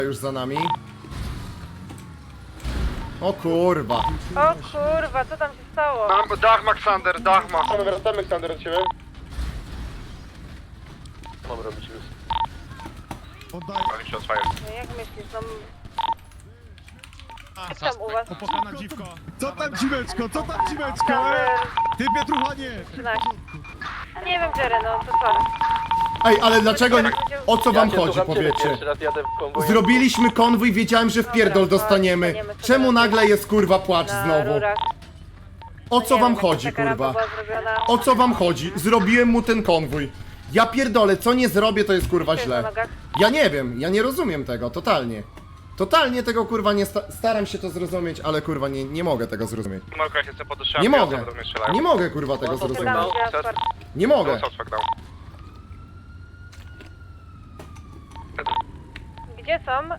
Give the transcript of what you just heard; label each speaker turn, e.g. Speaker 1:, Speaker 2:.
Speaker 1: już za nami. O kurwa.
Speaker 2: O kurwa, co tam się stało?
Speaker 3: Dach Maxander, dach ma.
Speaker 4: Wracamy Ksander od ciebie.
Speaker 3: Mam robić luz.
Speaker 5: Poddaj.
Speaker 2: No jak myślisz, no... Jak tam u was?
Speaker 5: Opłakana dziwko. Co tam dziweczko, co tam dziweczko?
Speaker 2: Sander,
Speaker 5: Ty Pietruchanie.
Speaker 2: 13. Nie wiem, Jerry, no to co?
Speaker 1: Ej, ale dlaczego... O co wam chodzi, powiedzcie?
Speaker 3: Pierwszy raz jadę w konwoju.
Speaker 1: Zrobiliśmy konwój, wiedziałem, że w pierdol dostaniemy. Czemu nagle jest kurwa płacz
Speaker 2: Na
Speaker 1: znowu?
Speaker 2: rurach.
Speaker 1: O co
Speaker 2: Nie
Speaker 1: wam
Speaker 2: wiem,
Speaker 1: chodzi,
Speaker 2: jaka rampa
Speaker 1: kurwa?
Speaker 2: była zrobiona.
Speaker 1: O co wam chodzi? Zrobiłem mu ten konwój. Ja pierdolę, co nie zrobię, to jest kurwa
Speaker 2: Co jest
Speaker 1: źle.
Speaker 2: na nogach?
Speaker 1: Ja nie wiem, ja nie rozumiem tego, totalnie. Totalnie tego kurwa nie staram się to zrozumieć, ale kurwa nie mogę tego zrozumieć.
Speaker 3: Marko, jak jestem pod deszczami,
Speaker 1: Nie
Speaker 3: ja
Speaker 1: mogę.
Speaker 3: do mnie strzelają.
Speaker 1: Nie mogę kurwa tego zrozumieć.
Speaker 2: Tam, gdzie otwarte.
Speaker 1: Nie mogę.
Speaker 3: Suspect down.
Speaker 2: Gdzie są?